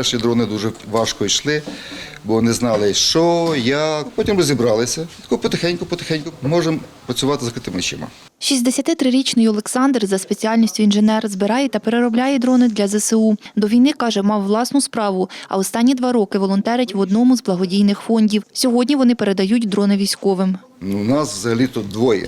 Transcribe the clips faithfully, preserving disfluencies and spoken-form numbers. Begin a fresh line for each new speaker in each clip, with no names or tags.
перші дрони дуже важко йшли, бо не знали, що, як. Потім розібралися. Тако потихеньку-потихеньку можемо працювати з закритими очима.
шістдесятитрирічний Олександр за спеціальністю інженер збирає та переробляє дрони для зе се у. До війни, каже, мав власну справу, а останні два роки волонтерить в одному з благодійних фондів. Сьогодні вони передають дрони військовим.
Ну, у нас взагалі-то двоє.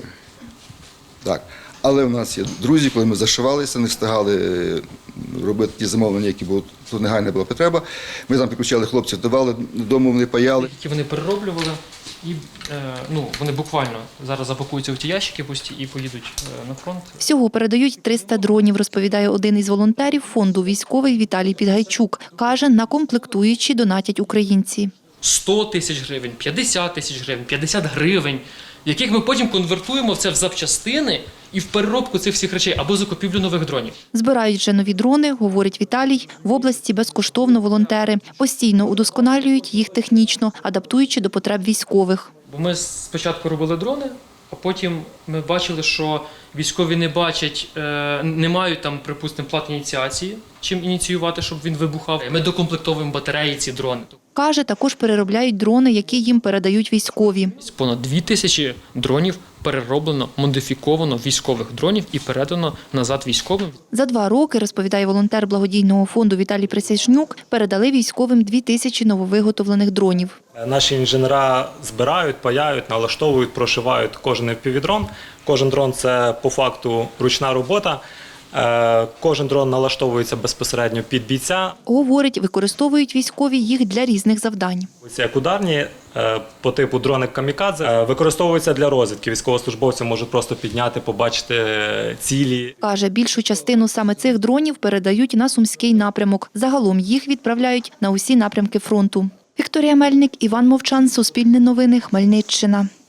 Так. Але в нас є друзі, коли ми зашивалися, не встигали робити ті замовлення, які були, тут негайна була потреба. Ми там підключали хлопців, давали, додому вони паяли.
Які вони перероблювали, і е, ну, вони буквально зараз запакуються в ті ящики пусті і поїдуть е, на фронт.
Всього передають триста дронів, розповідає один із волонтерів фонду військовий Віталій Підгайчук. Каже, на комплектуючі донатять українці.
сто тисяч гривень, п'ятдесят тисяч гривень, п'ятдесят гривень, яких ми потім конвертуємо в це в запчастини і в переробку цих всіх речей або закупівлю нових дронів.
Збирають вже нові дрони, говорить Віталій, в області безкоштовно волонтери. Постійно удосконалюють їх технічно, адаптуючи до потреб військових.
Бо ми спочатку робили дрони, а потім ми бачили, що військові не бачать, не мають там, припустимо, плат ініціації, чим ініціювати, щоб він вибухав. Ми докомплектовуємо батареї ці дрони.
Каже, також переробляють дрони, які їм передають військові.
Понад дві тисячі дронів перероблено, модифіковано військових дронів і передано назад військовим.
За два роки, розповідає волонтер благодійного фонду Віталій Присяжнюк, передали військовим дві тисячі нововиготовлених дронів.
Наші інженера збирають, паяють, налаштовують, прошивають кожен еф пі ві-дрон. Кожен дрон – це по факту ручна робота. Кожен дрон налаштовується безпосередньо під бійця.
Говорить, використовують військові їх для різних завдань.
Ось як ударні, по типу дрони камікадзе, використовуються для розвідки. Військовослужбовці можуть просто підняти, побачити цілі.
Каже, більшу частину саме цих дронів передають на Сумський напрямок. Загалом їх відправляють на усі напрямки фронту. Вікторія Мельник, Іван Мовчан, Суспільне новини, Хмельниччина.